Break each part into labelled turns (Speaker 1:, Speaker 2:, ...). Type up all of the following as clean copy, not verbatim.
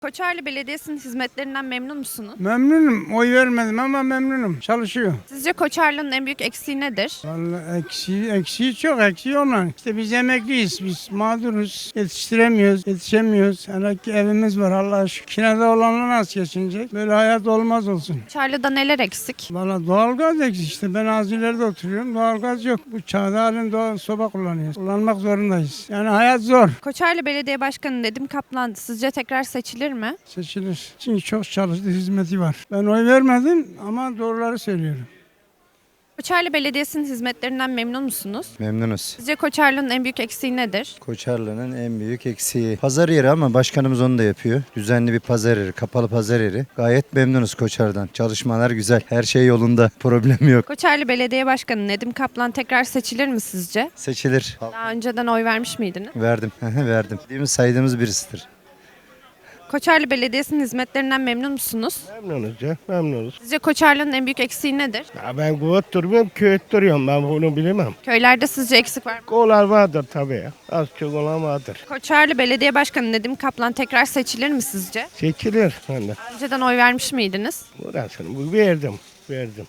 Speaker 1: Koçarlı Belediyesi'nin hizmetlerinden memnun musunuz?
Speaker 2: Memnunum. Oy vermedim ama memnunum. Çalışıyor.
Speaker 1: Sizce Koçarlı'nın en büyük eksiği nedir?
Speaker 2: Vallahi eksiği çok. Eksiği olan. İşte biz emekliyiz. Biz mağduruz. Yetiştiremiyoruz. Yetişemiyoruz. Hele ki evimiz var Allah'a şükür. Kinede olanla nasıl geçinecek? Böyle hayat olmaz olsun.
Speaker 1: Koçarlı'da neler eksik?
Speaker 2: Valla doğalgaz eksik işte. Ben az ileride oturuyorum. Doğalgaz yok. Bu çağda halen doğal soba kullanıyoruz. Kullanmak zorundayız. Yani hayat zor.
Speaker 1: Koçarlı Belediye Başkanı Nedim Kaplan sizce tekrar seçilir mi?
Speaker 2: Seçilir. Çünkü çok çalıştı. Hizmeti var. Ben oy vermedim ama doğruları söylüyorum.
Speaker 1: Koçarlı Belediyesi'nin hizmetlerinden memnun musunuz?
Speaker 3: Memnunuz.
Speaker 1: Sizce Koçarlı'nın en büyük eksiği nedir?
Speaker 3: Koçarlı'nın en büyük eksiği pazar yeri ama başkanımız onu da yapıyor. Düzenli bir pazar yeri, kapalı pazar yeri. Gayet memnunuz Koçar'dan. Çalışmalar güzel. Her şey yolunda. Problem yok.
Speaker 1: Koçarlı Belediye Başkanı Nedim Kaplan tekrar seçilir mi sizce?
Speaker 3: Seçilir.
Speaker 1: Daha önceden oy vermiş miydiniz?
Speaker 3: Verdim. Verdim. Saydığımız birisidir.
Speaker 1: Koçarlı Belediyesi'nin hizmetlerinden memnun musunuz?
Speaker 4: Memnunuz ya, memnunuz.
Speaker 1: Sizce Koçarlı'nın en büyük eksiği nedir?
Speaker 4: Ya ben kuvvet durmuyorum, köyet duruyorum. Ben bunu bilemem.
Speaker 1: Köylerde sizce eksik var mı?
Speaker 4: Kolar vardır tabii ya. Az çok olan vardır.
Speaker 1: Koçarlı Belediye Başkanı Nedim Kaplan tekrar seçilir mi sizce?
Speaker 4: Seçilir. Ben de.
Speaker 1: Önceden oy vermiş miydiniz?
Speaker 4: Burasını verdim.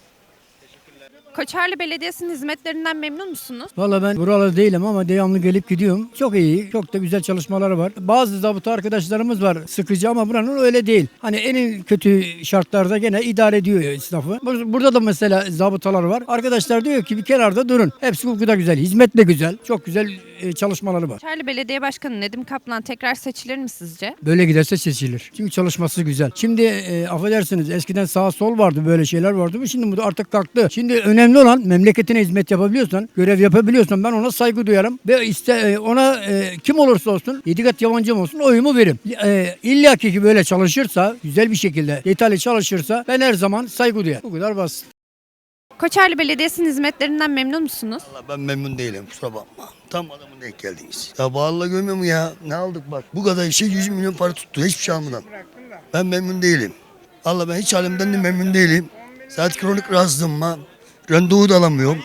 Speaker 1: Koçarlı Belediyesi'nin hizmetlerinden memnun musunuz?
Speaker 5: Valla ben buralı değilim ama devamlı gelip gidiyorum. Çok iyi, çok da güzel çalışmaları var. Bazı zabıta arkadaşlarımız var sıkıcı ama buranın öyle değil. Hani en kötü şartlarda gene idare ediyor esnafı. Burada da mesela zabıtalar var. Arkadaşlar diyor ki bir kenarda durun. Hepsi hukuku da güzel, hizmet de güzel. Çok güzel çalışmaları var.
Speaker 1: Koçarlı Belediye Başkanı Nedim Kaplan tekrar seçilir mi sizce?
Speaker 5: Böyle giderse seçilir. Çünkü çalışması güzel. Şimdi affedersiniz eskiden sağ sol vardı böyle şeyler vardı. Şimdi bu da artık kalktı. Şimdi önemli olan memleketine hizmet yapabiliyorsan, görev yapabiliyorsan ben ona saygı duyarım. Ve ona kim olursa olsun, 7 kat yabancım olsun oyumu veririm. İlla ki böyle çalışırsa, güzel bir şekilde detaylı çalışırsa ben her zaman saygı duyarım. Bu kadar basit.
Speaker 1: Koçarlı Belediyesi'nin hizmetlerinden memnun musunuz?
Speaker 6: Vallahi ben memnun değilim, kusura bakma. Tam adamın denk geldiniz. Ya vallahi görmüyor mu ya? Ne aldık bak. Bu kadar işe 100 milyon para tuttu. Hiçbir şey almadan. Ben memnun değilim. Vallahi ben hiç halimden de memnun değilim. Zaten kronik rahatsızlığım var. Randevu da alamıyorum.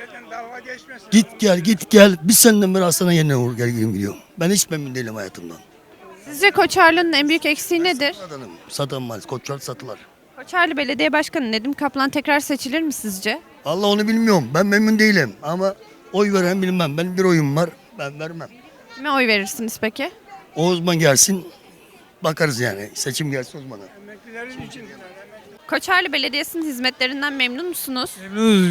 Speaker 6: Git gel. Bir seneden beri hastane yerine uğur gel gidiyorum. Ben hiç memnun değilim hayatımdan.
Speaker 1: Sizce Koçarlı'nın en büyük eksiği nedir?
Speaker 6: Satanmaz. Koçlar satılar.
Speaker 1: Koçarlı Belediye Başkanı Nedim Kaplan tekrar seçilir mi sizce?
Speaker 6: Vallahi onu bilmiyorum. Ben memnun değilim. Ama oy veren bilmem. Benim bir oyum var. Ben vermem.
Speaker 1: Kime oy verirsiniz peki?
Speaker 6: O uzman gelsin. Bakarız yani. Seçim gelsin uzmana.
Speaker 1: Koçarlı Belediyesi'nin hizmetlerinden memnun musunuz?
Speaker 7: Memnunuz.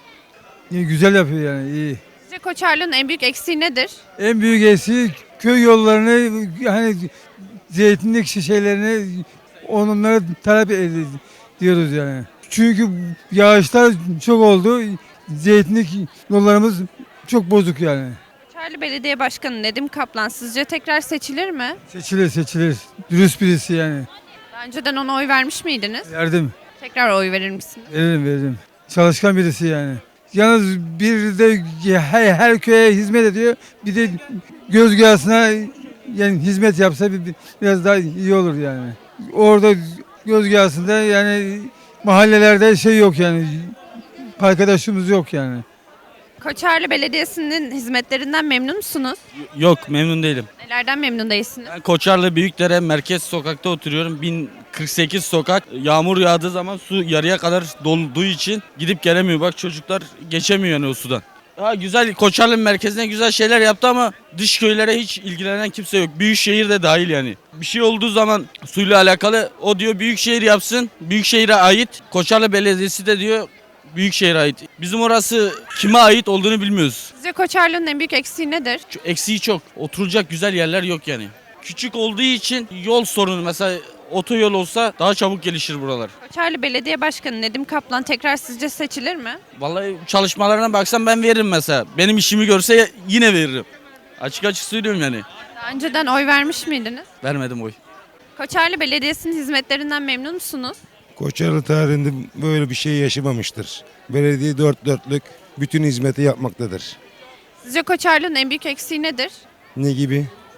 Speaker 7: Güzel yapıyor yani iyi.
Speaker 1: Sizce Koçarlı'nın en büyük eksiği nedir?
Speaker 7: En büyük eksiği köy yollarını hani zeytinlik şeylerini onlara talep ediyoruz yani. Çünkü yağışlar çok oldu. Zeytinlik yollarımız çok bozuk yani.
Speaker 1: Koçarlı Belediye Başkanı Nedim Kaplan sizce tekrar seçilir mi?
Speaker 7: Seçilir. Dürüst birisi yani.
Speaker 1: Daha önceden ona oy vermiş miydiniz?
Speaker 7: Verdim.
Speaker 1: Tekrar oy verir misiniz?
Speaker 7: Veririm. Çalışkan birisi yani. Yalnız bir de her köye hizmet ediyor. Bir de Gözgahası'na yani hizmet yapsa biraz daha iyi olur yani. Orada Gözgahası'nda yani mahallelerde şey yok yani. Arkadaşımız yok yani.
Speaker 1: Koçarlı Belediyesi'nin hizmetlerinden memnun musunuz?
Speaker 8: Yok, memnun değilim.
Speaker 1: Nelerden memnun değilsiniz?
Speaker 8: Ben Koçarlı Büyükdere Merkez Sokak'ta oturuyorum. 1048 sokak. Yağmur yağdığı zaman su yarıya kadar dolduğu için gidip gelemiyor. Bak çocuklar geçemiyor yani o sudan. Ha, güzel, Koçarlı merkezine güzel şeyler yaptı ama dış köylere hiç ilgilenen kimse yok. Büyükşehir de dahil yani. Bir şey olduğu zaman suyla alakalı o diyor Büyükşehir yapsın. Büyükşehir'e ait. Koçarlı Belediyesi de diyor Büyükşehir'e ait. Bizim orası kime ait olduğunu bilmiyoruz.
Speaker 1: Sizce Koçarlı'nın en büyük eksiği nedir?
Speaker 8: Eksiği çok. Oturacak güzel yerler yok yani. Küçük olduğu için yol sorunu, mesela otoyol olsa daha çabuk gelişir buralar.
Speaker 1: Koçarlı Belediye Başkanı Nedim Kaplan tekrar sizce seçilir mi?
Speaker 8: Vallahi çalışmalarına baksam ben veririm mesela. Benim işimi görse yine veririm. Açık söylüyorum yani.
Speaker 1: Daha önceden oy vermiş miydiniz?
Speaker 8: Vermedim oy.
Speaker 1: Koçarlı Belediyesi'nin hizmetlerinden memnun musunuz?
Speaker 9: Koçarlı tarihinde böyle bir şey yaşamamıştır. Belediye dört dörtlük bütün hizmeti yapmaktadır.
Speaker 1: Sizce Koçarlı'nın en büyük eksiği nedir?
Speaker 9: Ne gibi?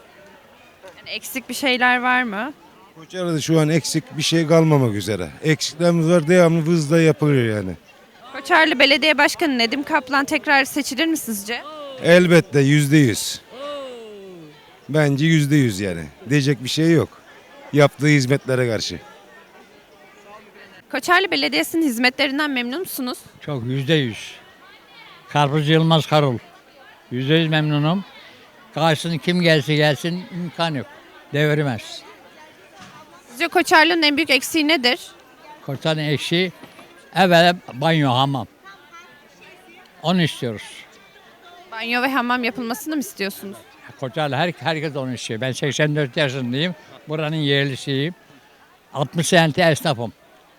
Speaker 1: Yani eksik bir şeyler var mı?
Speaker 9: Koçarlı'da şu an eksik bir şey kalmamak üzere. Eksiklerimiz var, devamlı hızla yapılıyor yani.
Speaker 1: Koçarlı Belediye Başkanı Nedim Kaplan tekrar seçilir mi sizce?
Speaker 9: Elbette %100. Bence %100 yani. Diyecek bir şey yok. yaptığı hizmetlere karşı.
Speaker 1: Koçarlı Belediyesi'nin hizmetlerinden memnun musunuz?
Speaker 10: Çok %100. Karpuz Yılmaz Karul. %100 memnunum. Karşısına kim gelse gelsin imkan yok. Devirmez.
Speaker 1: Sizce Koçarlı'nın en büyük eksiği nedir?
Speaker 10: Koçanın eksiği evvela banyo, hamam. Onu istiyoruz.
Speaker 1: Banyo ve hamam yapılmasını mı istiyorsunuz?
Speaker 10: Koçarlı herkes onu istiyor. Ben 84 yaşındayım. Buranın yerlisiyim. 60 senedir esnafım.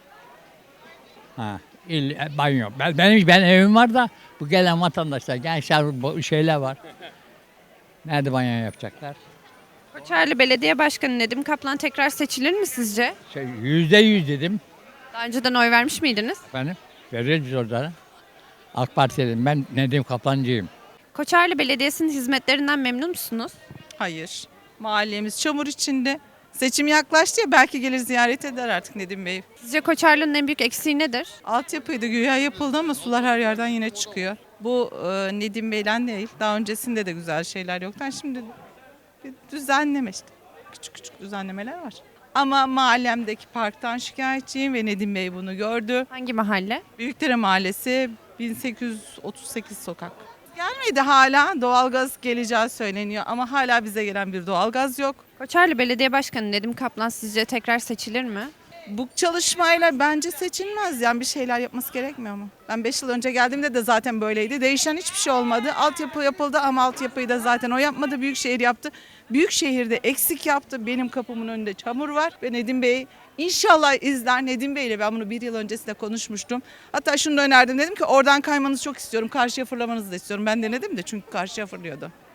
Speaker 10: Banyo. Ben evim var da bu gelen vatandaşlar, gençler, bu şeyler var. Nerede banyo yapacaklar?
Speaker 1: Koçarlı Belediye Başkanı Nedim Kaplan tekrar seçilir mi sizce?
Speaker 10: %100 dedim.
Speaker 1: Daha önceden oy vermiş miydiniz?
Speaker 10: Efendim, veririz biz orada. AK Parti'deyim. Ben Nedim Kaplancıyım.
Speaker 1: Koçarlı Belediyesi'nin hizmetlerinden memnun musunuz?
Speaker 11: Hayır. Mahallemiz çamur içinde. Seçim yaklaştı ya, belki gelir ziyaret eder artık Nedim Bey.
Speaker 1: Sizce Koçarlı'nın en büyük eksiği nedir?
Speaker 11: Altyapıydı güya yapıldı ama sular her yerden yine çıkıyor. Bu Nedim Bey'den değil. Daha öncesinde de güzel şeyler yoktu. Şimdi bir düzenleme işte. Küçük küçük düzenlemeler var. Ama mahallemdeki parktan şikayetçiyim ve Nedim Bey bunu gördü.
Speaker 1: Hangi mahalle?
Speaker 11: Büyükdere Mahallesi 1838 sokak. Gelmedi hala. Doğalgaz geleceği söyleniyor ama hala bize gelen bir doğalgaz yok.
Speaker 1: Koçarlı Belediye Başkanı Nedim Kaplan sizce tekrar seçilir mi?
Speaker 11: Bu çalışmayla bence seçilmez. Yani bir şeyler yapması gerekmiyor mu? Ben 5 yıl önce geldiğimde de zaten böyleydi. Değişen hiçbir şey olmadı. Altyapı yapıldı ama altyapıyı da zaten o yapmadı. Büyükşehir yaptı. Büyükşehir'de eksik yaptı. Benim kapımın önünde çamur var. Ve Nedim Bey inşallah izler. Nedim Bey ile ben bunu 1 yıl öncesinde konuşmuştum. Hatta şunu da önerdim. Dedim ki oradan kaymanızı çok istiyorum. Karşıya fırlamanızı da istiyorum. Ben denedim de çünkü karşıya fırlıyordu.